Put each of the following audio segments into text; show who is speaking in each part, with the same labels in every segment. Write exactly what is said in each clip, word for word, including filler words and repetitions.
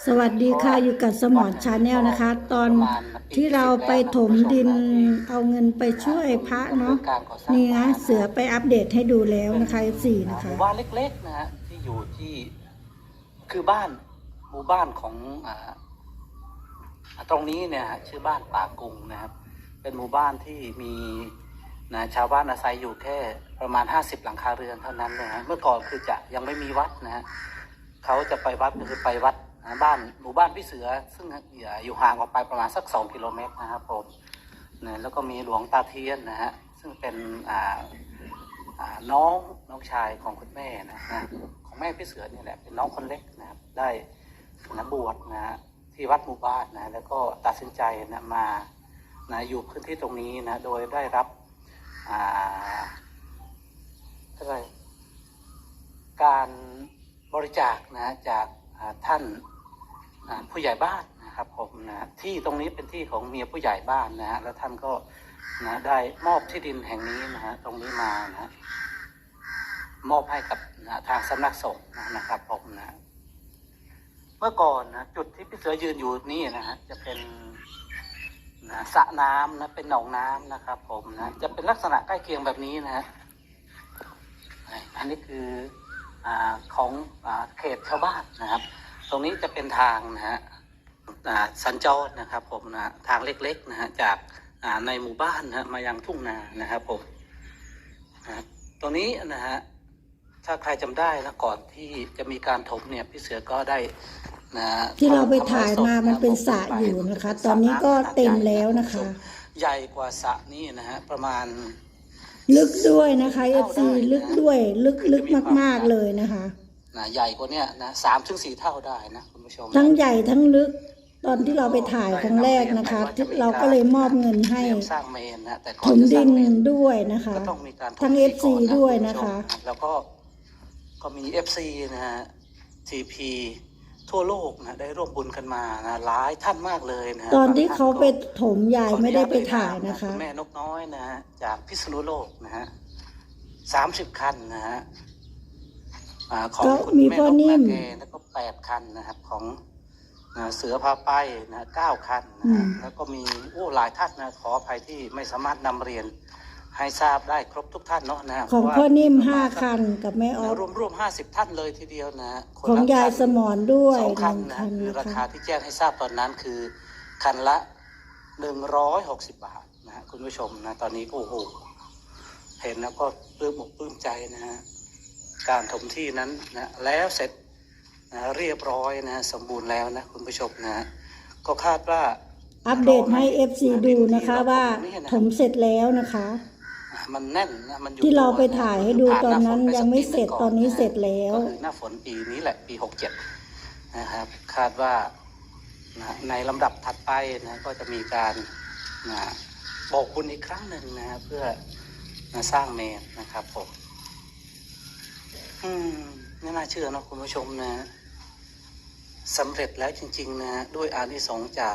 Speaker 1: สวัสดีค่ะอยู่กับสมอนชาแนลนะคะ ตอนที่เราไปถมดินเอาเงินไปช่วยพระเนาะนี่นะเสือไปอัปเดตให้ดูแล้วนะคะสี่นะคะ
Speaker 2: หมู่บ้านเล็กๆนะฮะที่อยู่ที่คือบ้านหมู่บ้านของอ่าตรงนี้เนี่ยชื่อบ้านป่ากุงนะครับเป็นหมู่บ้านที่มีนะชาวบ้านอาศัยอยู่แค่ประมาณห้าสิบหลังคาเรือนเท่านั้นนะฮะเมื่อก่อนคือจะยังไม่มีวัดนะฮะเขาจะไปวัดก็คือไปวัดนะบ้านหมู่บ้านพี่เสือซึ่งอยู่ห่างออกไปประมาณสักสองกิโลเมตรนะครับผมนะแล้วก็มีหลวงตาเทียนนะฮะซึ่งเป็นอ่าน้องน้องชายของคุณแม่นะนะของแม่พี่เสือนี่แหละเป็นน้องคนเล็กนะครับได้นะบวชนะฮะที่วัดหมู่บ้านนะแล้วก็ตัดสินใจนะมานะอยู่พื้นที่ตรงนี้นะโดยได้รับอ่าอะไรการบริจาคนะจากท่านผู้ใหญ่บ้านนะครับผมนะที่ตรงนี้เป็นที่ของเมียผู้ใหญ่บ้านนะฮะแล้วท่านก็นะได้มอบที่ดินแห่งนี้นะฮะตรงนี้มานะมอบให้กับนะทางสำนักสงฆ์นะครับผมนะเมื่อก่อนนะจุดที่พี่เสือยืนอยู่นี่นะฮะจะเป็นนะสระน้ำนะเป็นหนองน้ำนะครับผมนะจะเป็นลักษณะใกล้เคียงแบบนี้นะฮะอันนี้คืออ่าของอ่าเขตชาวบ้านนะครับตรงนี้จะเป็นทางนะฮะสัญจรนะครับผมนะทางเล็กๆนะฮะจากในหมู่บ้านนะมายังทุ่งนานะครับผมนะตรงนี้นะฮะถ้าใครจำได้นะก่อนที่จะมีการถมเนี่ยพี่เสือก็ได้นะ
Speaker 1: ที่เราไปถ่ายมามันเป็นสระอยู่นะคะตอนนี้ก็เต็มแล้วนะคะ
Speaker 2: ใหญ่กว่าสระนี้นะฮะประมาณ
Speaker 1: ลึกด้วยนะคะเอฟซีลึกด้วยลึกลึกมากๆเลยนะคะ
Speaker 2: นะใหญ่กว่านี้นะสามถึงสี่เท่าได้นะคุณผู้ชม
Speaker 1: ทั้งใหญ่ทั้งลึกตอนที่เราไปถ่ายครั้งแรกนะคะเราก็เลยมอบเงินให้ถมดินด้วยนะคะทั้งเอฟซีด้วยนะคะ
Speaker 2: แล้วก็ก็มีเอฟซีนะฮะทีพีทั่วโลกนะได้ร่วมบุญกันมานะหลายท่านมากเลยนะ
Speaker 1: ตอนที่เขาไปถมยายไม่ได้ไปถ่ายนะคะ
Speaker 2: แม่นกน้อยนะฮะจากพิษณุโลกนะฮะสามสิบคันนะฮะของคุณแม่นกนาเกแล้วก็แปดคันนะครับของเสือพาไปนะเก้าคันนะแล้วก็มีโอ้หลายท่านนะขออภัยที่ไม่สามารถนำเรียนให้ทราบได้ครบทุกท่านเนาะนะ
Speaker 1: ของพ่อนิ่มห้าคันกับแม่ออฟ
Speaker 2: รวมรวมห้าสิบท่านเลยทีเดียวนะ
Speaker 1: ของยายสมอนด้วย
Speaker 2: สองคันนะคือราคาที่แจ้งให้ทราบตอนนั้นคือคันละหนึ่งร้อยหกสิบบาทนะคุณผู้ชมนะตอนนี้โอ้โหเห็นแล้วก็ปลื้มอกปลื้มใจนะฮะการถมที่นั้นนะแล้วเสร็จนะเรียบร้อยนะสมบูรณ์แล้วนะคุณผู้ชมนะก็คาดว่า
Speaker 1: อัปเดตให้ เอฟ ซี ดูนะคะว่าถมเสร็จแล้วนะคะ
Speaker 2: มันแน่นนะมันอยู่
Speaker 1: ที่เราไปถ่ายให้ดูตอนนั้นยังไม่เสร็จตอนนี้เสร็จแล้ว
Speaker 2: ก็คือหน้าฝนปีนี้แหละปีหกเจ็ดนะครับคาดว่าในลำดับถัดไปนะก็จะมีการนะบอกบุญอีกครั้งหนึ่งนะเพื่อนะสร้างเมนนะครับผมอืมไม่น่าเชื่อนะคุณผู้ชมนะสำเร็จแล้วจริงๆนะด้วยอานิสงส์จาก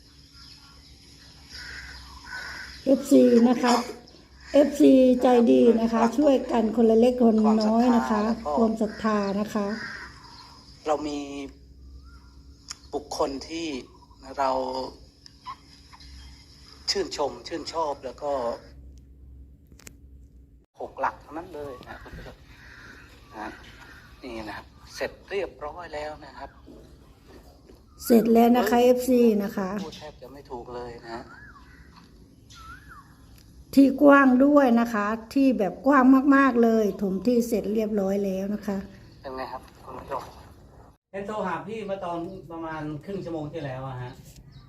Speaker 1: เอฟ ซี นะคะเอฟ ซี ใจดีนะคะช่วยกันคนละเล็กคนน้อยนะคะความศรัทธานะคะ
Speaker 2: เรามีบุคคลที่เราชื่นชมชื่นชอบแล้วก็หกหลักทั้งนั้นเลยนะคุณผู้ชมนะนี่นะครับเสร็จเรียบร้อยแล้วนะครับ
Speaker 1: เสร็จแล้วนะคะ เอฟ ซี นะคะ
Speaker 2: พูดแทบจะไม่ถูกเลยนะ
Speaker 1: ที่กว้างด้วยนะคะที่แบบกว้างมากๆเลยถมที่เสร็จเรียบร้อยแล้วนะคะ
Speaker 2: เป็นไงครับคุณผู้ชมเห็นโทรหาพี่มาตอนประมาณครึ่งชั่วโมงที่แล้วอะฮะ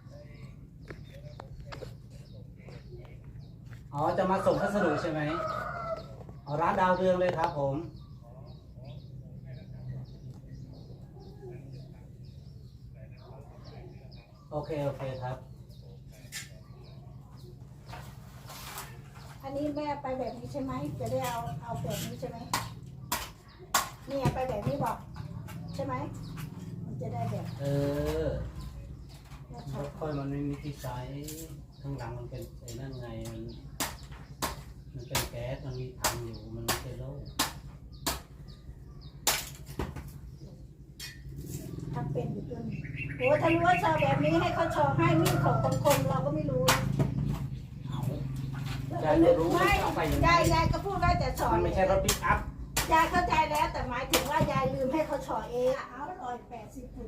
Speaker 2: อ๋อจะมาส่งพัสดุใช่ไหมอ๋อร้านดาวเรืองเลยครับผมโอเคโอเคครับ
Speaker 1: อันนี้แม่ไปแบบนี้ใช่ไหมจะได้เอาเอาแบบนี้ใช่ไหมนี่ไปแบบนี้บอกใช่ไหมมันจะได้แบบ
Speaker 2: เออรถค่อยมันไม่มีที่ใช้ข้างหลังมันเป็นไอ้นั่นไงมันมันเป็นแก๊สมันมีถังอยู่มันไม่ใช่โล่
Speaker 1: ถ้าเป็นอยู่ตัวนี้โอ้ถ้ารู้ว่าชอบแบบนี้ให้เขาชอบให้มีดของบางคนเราก็ไม่รู้
Speaker 2: ยายก็รู้ว่า
Speaker 1: ไม่
Speaker 2: เอาไปยังไง
Speaker 1: ยายยายก็พูดว่าจะชอบ
Speaker 2: มันไม่ใช่รถปิกอัพ
Speaker 1: ยายเข้าใจแล้วแต่หมายถึงว่ายายลืมให้เขาชอบเองเอาร้อยแปดสิบคุณ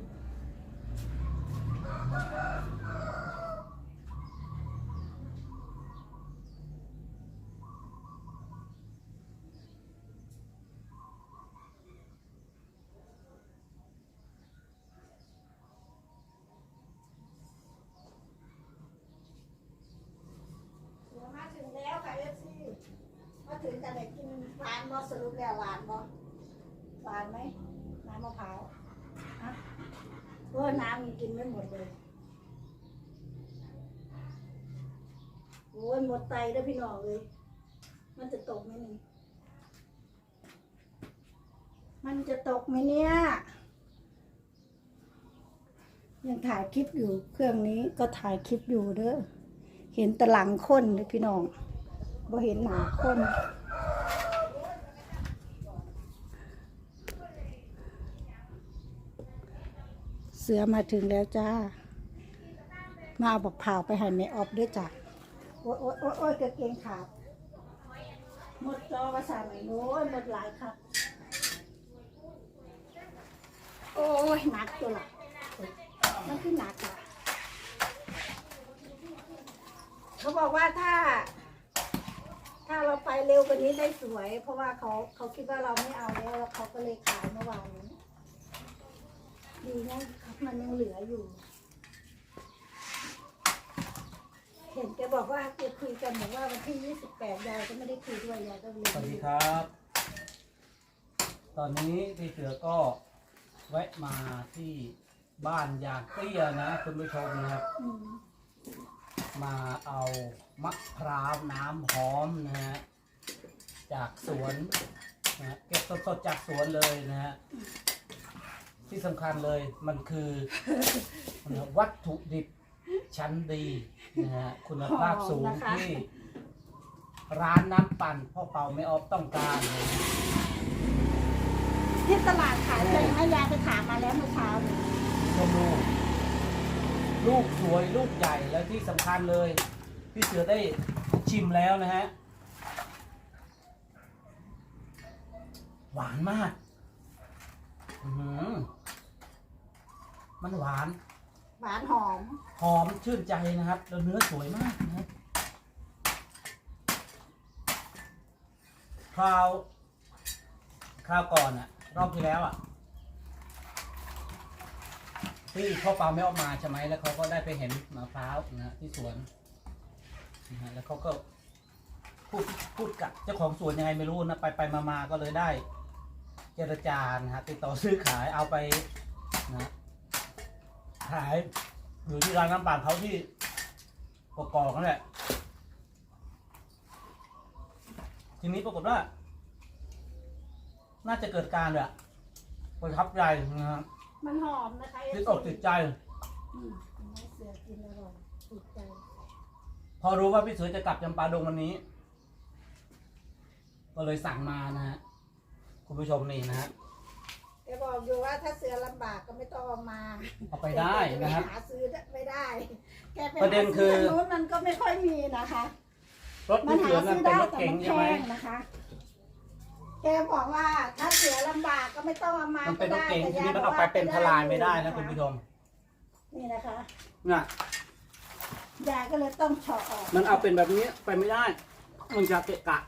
Speaker 1: มาถึงแล้วค่ะเอฟซีมาถึงกันเลยกินหวานบอสรุปแล้วหวานบอหวานไหมน้ำมะพร้าวฮะเพราะว่าน้ำมันกินไม่หมดเลยโอ้ยหมดไตแล้วพี่น้องเลย มันจะตกไหมนี่มันจะตกไหมเนี่ยยังถ่ายคลิปอยู่เครื่องนี้ก็ถ่ายคลิปอยู่เด้อเห็นแต่หลังคนเลยพี่น้องบ่เห็นหน้าคน เสือมาถึงแล้วจ้า มาเอาบอกเผาไปให้แม่ออฟด้วยจ้ะโอ๊ยโอ๊ยโอ๊ยโอ๊ยกางเกงขาดหมดจอภาษาไหนโน้ยหมดหลายครับ โอ้ยหนักตัวละมันคือหนักอ่ะเขาบอกว่าถ้า ถ้าเราไปเร็วกว่านี้ได้สวย เพราะว่าเขาเขาคิดว่าเราไม่เอาแล้วแล้วเขาก็เลยขายเมื่อวานนี้ดีนะครับมันยังเหลืออยู่ เห็นแกบอกว่าแกคุยกันบอกว่าวันที่ยี่สิบแปดยายก็ไม่ได้คุยด้วยยายก็เลย
Speaker 2: สวัสดีครับ ตอนนี้พี่เสือก็แวะมาที่บ้านยางเตี้ยนะคุณผู้ชมนะครับ
Speaker 1: อืม
Speaker 2: มาเอามะพร้าวน้ำหอมนะฮะจากสวนนะฮะเก็บสดๆจากสวนเลยนะฮะที่สำคัญเลยมันคือ วัตถุดิบชั้นดีนะฮะคุณภาพสูงที่ร้านน้ำปั่นพ่อเป่าไม่ออฟต้องการเลย
Speaker 1: ที่ตลาดขายเลยให้ยายไปถามมาแล้วเมื่อเช้านี้
Speaker 2: ชมลูกลูกสวยลูกใหญ่แล้วที่สำคัญเลยพี่เสือได้ชิมแล้วนะฮะหวานมากอื้อหือมันหวาน
Speaker 1: หวานหอม
Speaker 2: หอมชื่นใจนะครับแล้วเนื้อสวยมากนะครับคราวคราวก่อนอะรอบที่แล้วอะที่พ่อเปาไม่ออกมาใช่ไหมแล้วเขาก็ได้ไปเห็นมะพร้าวนะที่สวนนะฮะแล้วเขาก็พูดพูดกับเจ้าของสวนยังไงไม่รู้นะไปไปมามาก็เลยได้ เจรจานะฮะติดต่อซื้อขายเอาไปนะขายอยู่ที่ร้านน้ำปั่นเขาที่กกอกนั่นแหละทีนี้ปรากฏว่า น่าจะเกิดการแบบประทับใจนะฮะ
Speaker 1: มันหอมนะคะ
Speaker 2: ติดอกติดใจ
Speaker 1: อืมให้เสือกินอร่อยติดใจ
Speaker 2: พอรู้ว่าพี่เสือจะกลับจำปาดงวันนี้ ก็เลยสั่งมานะฮะคุณผู้ชมนี่นะฮะ
Speaker 1: แกบอกอยู่ว่าถ้าเสือลำบากก็ไม่ต้องเอามา
Speaker 2: เอาไปได้นะครับ
Speaker 1: แกไปหาซื้อไม่ได้แกไป
Speaker 2: ประเด็นคือ
Speaker 1: หาซื้ทางนู้นมันก็ไม่ค่อยมีนะคะ
Speaker 2: รถ
Speaker 1: มั
Speaker 2: พี่
Speaker 1: น
Speaker 2: เสื
Speaker 1: หา
Speaker 2: อนั่
Speaker 1: ซื้
Speaker 2: น
Speaker 1: อ
Speaker 2: เป็น
Speaker 1: ได้
Speaker 2: รถ
Speaker 1: แต่
Speaker 2: เก๋ง
Speaker 1: มันแพ
Speaker 2: ใช่ไหม
Speaker 1: งนะคะ แกบอกว่าถ้าเสือลำบากก็ไม่ต้องเอามา
Speaker 2: มันเป็นรถเก๋ง
Speaker 1: ก็
Speaker 2: ที
Speaker 1: ด้
Speaker 2: นี้มันเอาไปเป็นทลายไม่ได้นะคุณผู้ชม
Speaker 1: นี่นะคะ
Speaker 2: น่ะ
Speaker 1: ยายก็เลยต้องเฉาะออก
Speaker 2: มันเอาเป็นแบบนี้ไปไม่ได้ มันจะเกะกะ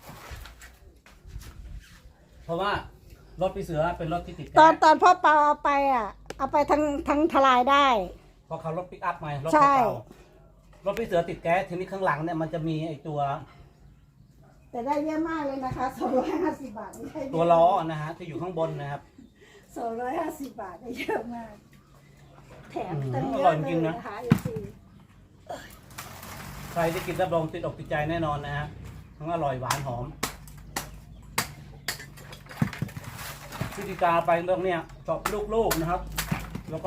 Speaker 2: เพราะว่ารถพี่เสือเป็นรถที่ติด
Speaker 1: ตอน
Speaker 2: แก๊ส
Speaker 1: ตอนพ่อเปาเอาไปอ่ะ เอาไปทั้งทั้งทลายได้
Speaker 2: เพราะเขารถปิกอัพไงรถ
Speaker 1: ใช่
Speaker 2: เก่ารถพี่เสือติดแก๊สทีนี้ข้างหลังเนี่ยมันจะมีไอตัว
Speaker 1: แต่ได้เยอะมากเลยนะคะสองร้อยห้าสิบบาทไม่ใช่
Speaker 2: ตัวล้อนะฮะที่อยู่ข้างบนนะครับ
Speaker 1: สองร้อยห้าสิบบาทได้เยอะมาก แถม
Speaker 2: อืม
Speaker 1: ตั้งเย
Speaker 2: อร่อย
Speaker 1: อะ
Speaker 2: จ
Speaker 1: เล
Speaker 2: ริ
Speaker 1: ย
Speaker 2: งๆนะ
Speaker 1: นะคะอีซี
Speaker 2: ใครที่กินรับรองติดอกติดใจแน่นอนนะฮะทั้งอร่อยหวานหอมวิธีการไปเรื่องเนี้ยเจาะลูกๆนะครับ แล้วก็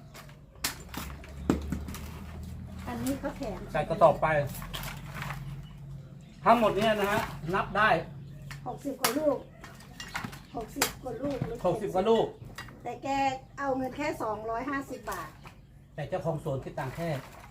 Speaker 1: อันนี้เขาแถม
Speaker 2: ใส่กระสอบไป ทั้งหมดเนี้ยนะฮะนับได้
Speaker 1: หกสิบกว่าลูกหกสิบกว่าลูกหรือ
Speaker 2: หกสิบกว่าลูก
Speaker 1: แต่แต่แกเอาเงินแค่สองร้อยห้าสิบบาท
Speaker 3: แต่เจ้าของสวนคิดตังค์แค่